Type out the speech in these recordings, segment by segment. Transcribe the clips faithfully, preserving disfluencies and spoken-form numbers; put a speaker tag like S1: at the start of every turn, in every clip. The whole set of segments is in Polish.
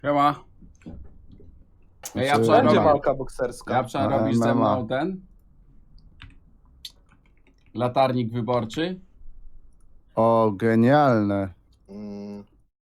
S1: Siema. Ja, ja
S2: Czy
S1: wczoraj
S3: Będzie
S1: robię,
S3: walka bokserska.
S1: ja wczoraj
S2: A,
S1: robisz ze
S2: M M A.
S1: mną ten latarnik wyborczy.
S2: O, genialne.
S3: Mm.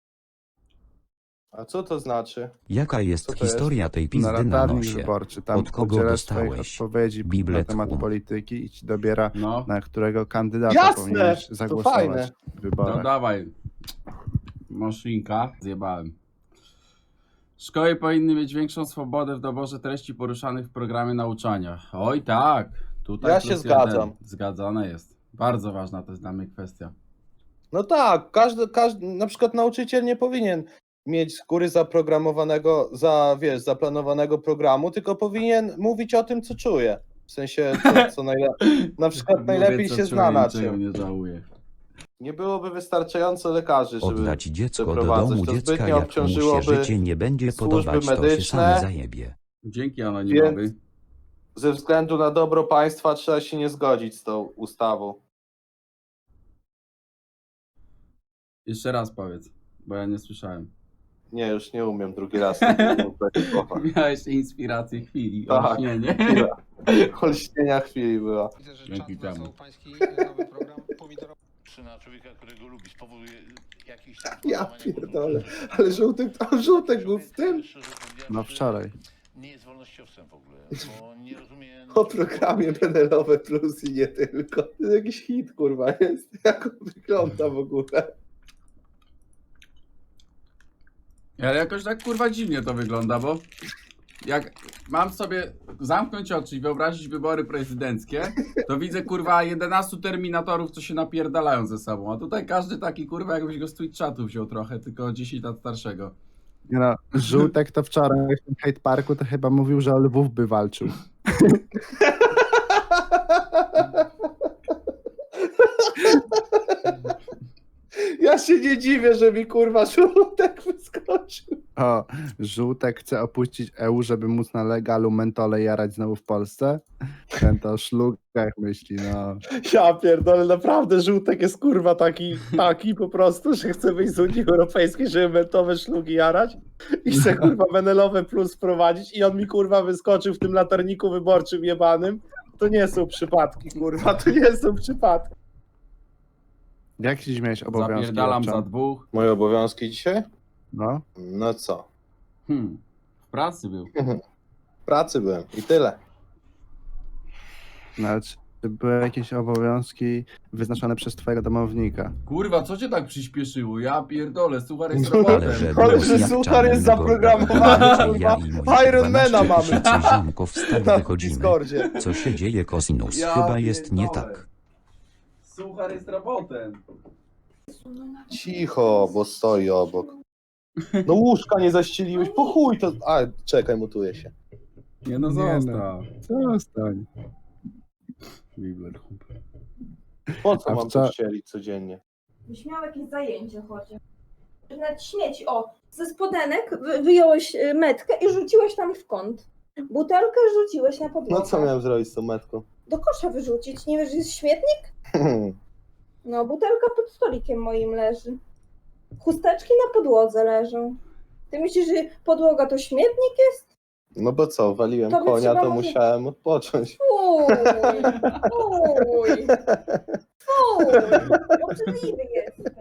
S3: A co to znaczy?
S4: Jaka jest
S3: Co to jest?
S4: historia tej
S2: Na
S4: pizdy na
S2: latarnik
S4: nosie?
S2: wyborczy. Tam
S4: Od kogo
S2: udzielasz swoich
S4: dostałeś?
S2: odpowiedzi na
S4: Biblet
S2: temat
S4: Hum.
S2: polityki i ci dobiera,
S1: No,
S2: na którego kandydata
S3: Jasne!
S2: powinieneś
S3: To
S2: zagłosować
S3: fajne.
S2: w
S1: no
S2: wyborach.
S1: dawaj. Maszynka. Zjebałem. Szkoły powinny mieć większą swobodę w doborze treści poruszanych w programie nauczania. Oj tak. Tutaj
S3: Ja
S1: plus
S3: się zgadzam.
S1: Jeden. Zgadzane jest. Bardzo ważna to jest dla mnie kwestia.
S3: No tak, każdy, każdy, na przykład nauczyciel nie powinien mieć z góry zaprogramowanego, za, wiesz, zaplanowanego programu, tylko powinien mówić o tym, co czuje. W sensie, co, co najlepiej, na przykład
S1: Mówię,
S3: najlepiej
S1: co
S3: się
S1: czuję,
S3: zna na
S1: niczego
S3: czym.
S1: nie żałuję.
S3: Nie byłoby wystarczająco lekarzy, żeby
S4: Oddać dziecko do
S3: przeprowadzać.
S4: domu
S3: To
S4: dziecka,
S3: zbytnio
S4: jak mu się
S3: obciążyłoby
S4: życie nie będzie
S3: służby
S4: podobać, to się
S3: medyczne.
S4: sam zajebie.
S1: Dzięki anonimowy.
S3: Więc ze względu na dobro państwa trzeba się nie zgodzić z tą ustawą.
S1: Jeszcze raz powiedz, bo ja nie słyszałem.
S3: Nie, już nie umiem drugi raz. tego słowa.
S1: Miałeś inspirację chwili.
S3: Tak.
S1: Olśnienie.
S3: Chwila. Olśnienia chwili była.
S5: Widzę, że
S1: Dzięki
S5: czat
S1: temu.
S5: wrzucał pański nowy program pomidorowy.
S6: Na człowieka, którego lubi, spowoduje jakiś tam...
S3: Ja pierdolę, ale żółtek, a żółtek był w tym?
S2: No wczoraj.
S6: Nie jest wolnościowcem w ogóle, bo nie rozumie...
S3: O programie Penelope Plus i nie tylko. To jest jakiś hit, kurwa, jest. Jak on wygląda w ogóle?
S1: Ale jakoś tak kurwa dziwnie to wygląda, bo jak mam sobie zamknąć oczy i wyobrazić wybory prezydenckie, to widzę kurwa jedenastu terminatorów, co się napierdalają ze sobą, a tutaj każdy taki kurwa jakbyś go z Twitch chatu wziął trochę, tylko dziesięć lat starszego.
S2: Nie no, Żółtek to wczoraj w tym hate parku to chyba mówił, że o Lwów by walczył.
S3: Ja się nie dziwię, że mi kurwa żółtek wyskoczył.
S2: O, Żółtek chce opuścić E U, żeby móc na legalu mentole jarać znowu w Polsce. Ten to o szlugach myśli, no.
S3: Ja pierdolę, naprawdę żółtek jest kurwa taki, taki po prostu, że chce wyjść z Unii Europejskiej, żeby mentowe szlugi jarać i chce kurwa Penelope Plus wprowadzić i on mi kurwa wyskoczył w tym latarniku wyborczym jebanym. To nie są przypadki, kurwa, to nie są przypadki.
S2: Jak dziś miałeś obowiązki?
S1: Zapierdalam za
S2: Owczan?
S1: dwóch.
S3: Moje obowiązki dzisiaj?
S2: No,
S3: No co?
S1: Hmm. W pracy był.
S3: W pracy byłem i tyle.
S2: no ale czy były jakieś obowiązki wyznaczone przez twojego domownika?
S1: Kurwa, co cię tak przyspieszyło? Ja pierdolę, suchar jest
S3: No,
S1: robotem.
S4: Ale że
S3: Ale
S4: głos
S3: że
S4: jak
S3: suchar jest
S4: czarnego
S3: zaprogramowany,
S4: gołębia,
S3: kurwa.
S4: ja i mój
S3: Ironmana
S4: dwanaście
S3: mamy.
S4: tysięcy ziomków stąd
S3: Na
S4: wychodzimy.
S3: Discordzie.
S4: Co się dzieje, Kosinus?
S1: Ja
S4: Chyba jest nie
S1: pierdolę.
S4: tak.
S1: Suchar jest robotem.
S3: Cicho, bo stoi obok. No łóżka nie zaścieliłeś, po chuj to... A, czekaj, mutuję się.
S1: Nie no,
S2: Nie
S1: zostaw.
S2: Zostań.
S1: Biblet Hum.
S3: Po co
S2: A
S3: mam
S2: wca-
S3: to ścielić codziennie?
S7: Byś miał jakieś zajęcie chociaż. Nawet śmieci. O, ze spodenek wy- wyjąłeś y, metkę i rzuciłeś tam w kąt. Butelkę rzuciłeś na podłogę.
S3: No co miałem zrobić z tą metką?
S7: Do kosza wyrzucić. Nie wiesz, że jest śmietnik? No, butelka pod stolikiem moim leży. Chusteczki na podłodze leżą. Ty myślisz, że podłoga to śmietnik jest?
S3: No bo co, waliłem
S7: To by
S3: konia,
S7: trzeba
S3: to
S7: może-
S3: musiałem odpocząć.
S7: Fuj! Fuj! Fuj! Obrzydliwy jest.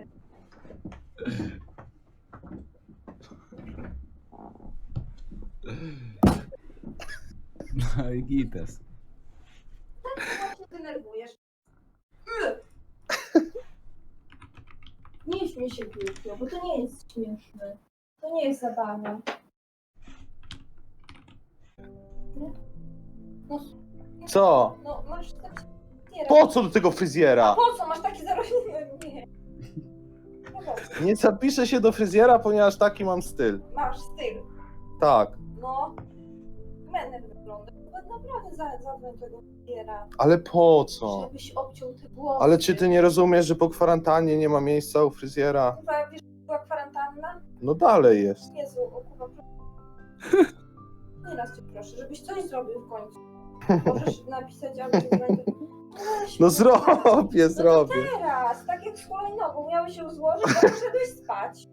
S1: No i gites.
S7: się denerwujesz. Nie śmiej się głupio, bo to nie jest śmieszne. To nie jest zabawa. No,
S3: Co?
S7: no masz taki...
S3: Po co do tego fryzjera?
S7: Po co? Masz taki zarośnięty... Nie. No po co?
S3: Nie zapiszę się do fryzjera, ponieważ taki mam styl.
S7: Masz styl.
S3: Tak,
S7: No. Menem wygląda. Naprawdę za- zadzwoń tego fryzjera.
S3: ale po co?
S7: Żebyś obciął te włosy.
S3: Ale czy ty nie rozumiesz, że po kwarantannie nie ma miejsca u fryzjera?
S7: Kurwa, wiesz, była kwarantanna?
S3: No dalej jest.
S7: Jezu, o kurwa, nie raz cię proszę, żebyś coś zrobił w końcu. Możesz napisać albo dzwonić. Weź
S3: No
S7: mnie.
S3: zrobię,
S7: No
S3: zrobię.
S7: to teraz, tak jak z hulajnogą, miały się złożyć, a poszedłeś spać.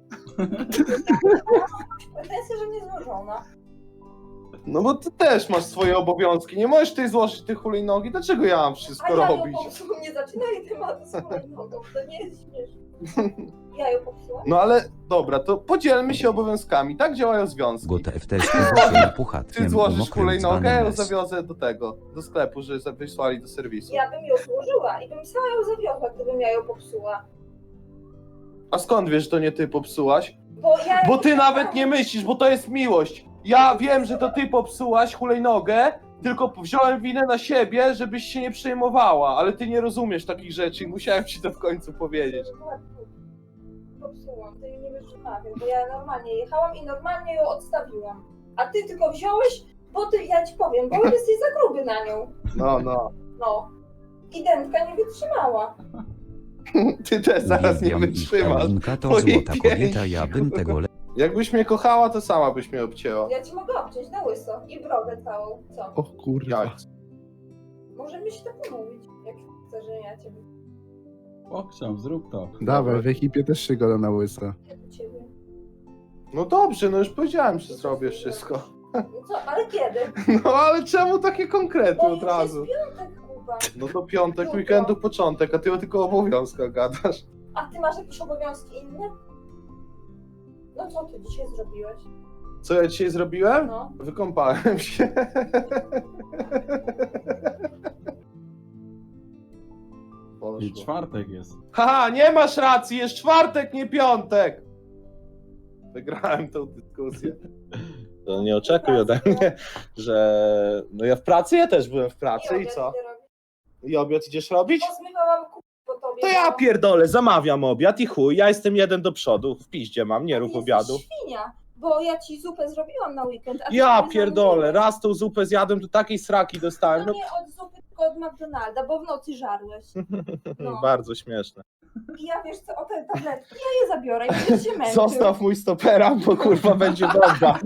S7: Pretensja, że nie złożona.
S3: No bo ty też masz swoje obowiązki. Nie możesz ty złożyć tych hulajnogi. Dlaczego ja mam
S7: A
S3: wszystko
S7: ja ją
S3: robić?
S7: popsułam, nie zaczynaj tematu z hulajnogą, to nie jest śmieszne. Ja ją popsułam?
S3: No ale dobra, to podzielmy się obowiązkami. Tak działają związki.
S4: Gotę w teście się puchatkiem
S3: Ty złożysz
S4: mokrym
S3: hulajnogę, ja ją
S4: dzbanem les.
S3: zawiozę do tego, do sklepu, że wysłali do serwisu.
S7: Ja bym ją złożyła i bym sama ją zawiozła, gdybym ja ją popsuła.
S3: A skąd wiesz, że to nie ty popsułaś?
S7: Bo ja
S3: Bo ty nawet nie myślisz, bo to jest miłość. Ja wiem, że to ty popsułaś hulajnogę, tylko wziąłem winę na siebie, żebyś się nie przejmowała, ale ty nie rozumiesz takich rzeczy i musiałem ci to w końcu powiedzieć.
S7: Popsułam, ty nie wiesz, że wiem, bo ja normalnie jechałam i normalnie ją odstawiłam. A ty tylko wziąłeś, bo ty, ja ci powiem, bo jesteś za gruby na nią.
S3: No, no.
S7: No. I dętka nie wytrzymała.
S3: Ty też zaraz nie
S4: Uwielbiam ich,
S3: wytrzymasz.
S4: Paulinka to
S3: Mojej
S4: złota kobieta,
S3: pięści,
S4: ja bym tego le...
S3: Jakbyś mnie kochała, to sama byś mnie obcięła.
S7: Ja ci mogę obciąć na łyso i brodę całą. Co?
S2: O kurwa.
S3: Jak?
S7: Możemy się tak umówić, jak chcesz, że ja ciebie.
S1: Pokrzam, zrób to.
S2: Dawaj, w ekipie też się goda na łyso.
S7: Ja do ciebie.
S3: No dobrze, no już powiedziałem, że zrobię wszystko.
S7: No co, ale kiedy?
S3: No ale czemu takie konkrety
S7: Bo
S3: od
S7: już
S3: razu?
S7: jest piątek, Kuba.
S3: No to piątek,
S7: Jutro.
S3: weekendu początek, a ty tylko o obowiązkach gadasz.
S7: A ty masz jakieś obowiązki inne? No co ty dzisiaj zrobiłeś?
S3: Co ja dzisiaj zrobiłem?
S7: No.
S3: Wykąpałem się.
S1: I
S3: Poszło.
S1: czwartek jest.
S3: Haha, nie masz racji, jest czwartek, nie piątek! Wygrałem tą dyskusję. To nie oczekuj ode mnie, że... No ja w pracy, ja też byłem w pracy i
S7: obiad
S3: co?
S7: idę robić.
S3: I obiad idziesz robić?
S7: Pozmywałam kupę po tobie.
S3: To ja
S7: bo-
S3: pierdolę, zamawiam obiad i chuj, ja jestem jeden do przodu, w piździe mam, nie
S7: Ty
S3: rób
S7: jesteś
S3: obiadu.
S7: świnia, bo ja ci zupę zrobiłam na weekend, a ty
S3: Ja
S7: sobie
S3: pierdolę,
S7: zamówiłeś.
S3: raz tą zupę zjadłem, to takiej sraki dostałem,
S7: No
S3: no
S7: nie od zupy, tylko od McDonalda, bo w nocy żarłeś. No.
S3: bardzo śmieszne.
S7: I ja wiesz co, o te tabletki, ja je zabiorę i będziesz się męczył.
S3: Zostaw mój stopera, bo kurwa będzie bomba.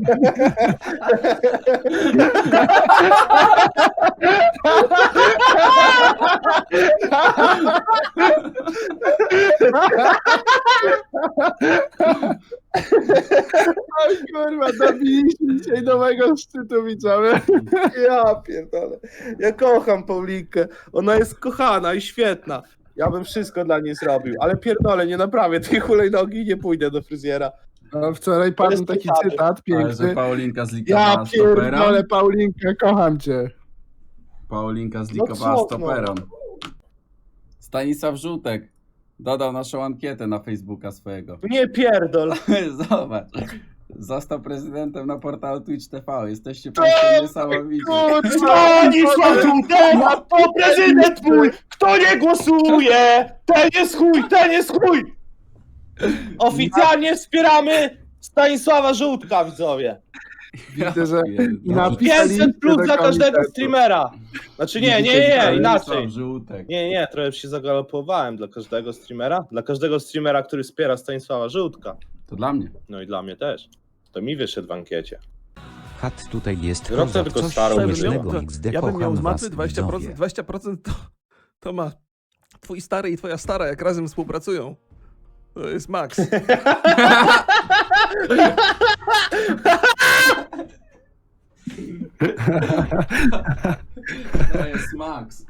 S2: Oj kurwa, dobiliśmy dzisiaj nowego szczytu, widzowie.
S3: Ja pierdolę. Ja kocham Paulinkę. Ona jest kochana i świetna. Ja bym wszystko dla niej zrobił, ale pierdolę, nie naprawię tej hulajnogi i nie pójdę do fryzjera.
S2: A wczoraj padł
S3: jest
S2: taki
S3: cytaty.
S2: cytat
S1: Ale że
S2: piękny.
S1: Paulinka zlikowała
S2: Ja
S1: stopera.
S2: pierdolę, Paulinka, kocham cię.
S1: Paulinka zlikowała
S3: No co,
S1: stoperą. Stanisław Żółtek dodał naszą ankietę na Facebooka swojego.
S3: Nie pierdol.
S1: Zobacz. Został prezydentem na portalu Twitch T V. Jesteście państwo niesamowici.
S3: Stanisław Żółtek, to prezydent mój! Kto nie głosuje, ten jest chuj, ten jest chuj! Oficjalnie wspieramy Stanisława Żółtka, widzowie.
S2: Widzę, że i
S1: No.
S2: napisaliście
S3: pięćset plus
S2: do
S3: dla każdego
S2: komitetu.
S3: streamera. Znaczy nie, nie, nie,
S1: Stanisław
S3: inaczej.
S1: Żółtek.
S3: Nie, nie, trochę się zagalopowałem dla każdego streamera. Dla każdego streamera, który wspiera Stanisława Żółtka.
S1: To dla mnie.
S3: No i dla mnie też. To mi wyszedł w ankiecie.
S4: Hat tutaj jest
S3: Rok to
S4: kozak,
S3: tylko
S4: coś
S3: starą
S4: śmiesznego
S8: myślę.
S4: X D,
S8: Ja bym miał
S4: kocham
S8: z
S4: was,
S8: maty dwadzieścia procent,
S4: widzowie.
S8: dwadzieścia procent to, to ma twój stary i twoja stara, jak razem współpracują. To jest maks.
S1: To jest Max.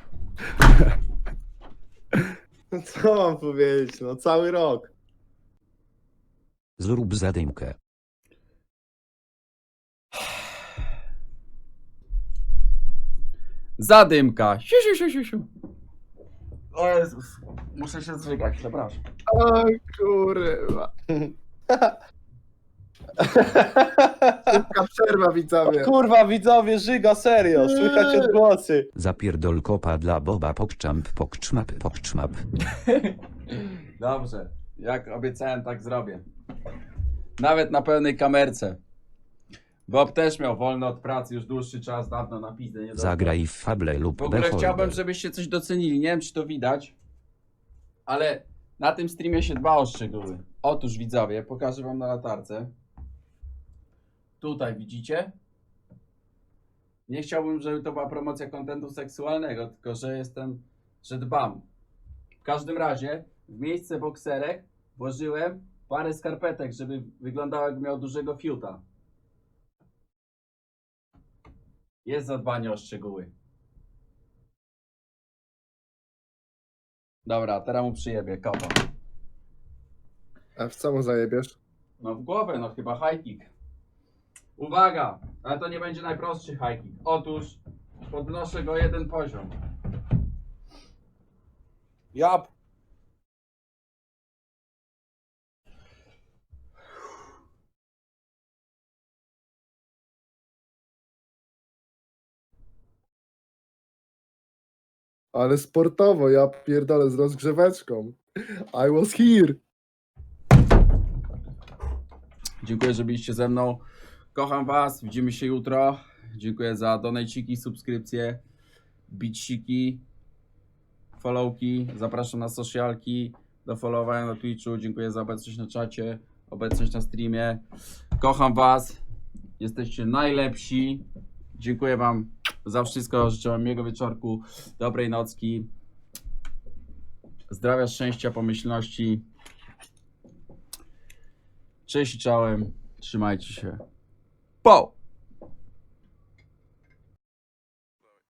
S3: Co mam powiedzieć? No cały rok.
S4: Zrób zadymkę.
S1: Zadymka. Siu, siu, siu, siu, siu. O Jezus. Muszę się zżygać, przepraszam.
S2: O kurwa. Szybka przerwa, widzowie.
S3: Kurwa, widzowie, żyga, serio. Słychać odgłosy.
S4: Zapierdol kopa dla Boba pokczamp pokczmap pokczmap.
S1: Dobrze. Jak obiecałem, tak zrobię. Nawet na pełnej kamerce. Bob też miał wolny od pracy już dłuższy czas, dawno na pizdę nie dostał.
S4: Zagraj w Fable lub
S1: W ogóle
S4: Beholder.
S1: chciałbym, żebyście coś docenili. Nie wiem, czy to widać, ale na tym streamie się dba o szczegóły. Otóż widzowie, pokażę wam na latarce. Tutaj widzicie? Nie chciałbym, żeby to była promocja kontentu seksualnego, tylko że jestem, że dbam. W każdym razie w miejsce bokserek włożyłem parę skarpetek, żeby wyglądało, jakby miał dużego fiuta. Jest zadbanie o szczegóły. Dobra, teraz mu przyjebie, kopa.
S2: A w co mu zajebiesz?
S1: No w głowę, no chyba high kick. Uwaga, ale to nie będzie najprostszy high kick. Otóż podnoszę go jeden poziom.
S3: Ja
S2: Ale sportowo, ja pierdolę z rozgrzeweczką. I was here.
S1: Dziękuję, że byliście ze mną. Kocham was, widzimy się jutro. Dziękuję za donajciki, subskrypcje, biciki, followki. Zapraszam na socialki, do followowania na Twitchu. Dziękuję za obecność na czacie, obecność na streamie. Kocham was. Jesteście najlepsi. Dziękuję wam za wszystko. Życzę wam miłego wieczorku, dobrej nocki. Zdrowia, szczęścia, pomyślności. Cześć i czołem. Trzymajcie się.
S8: Po!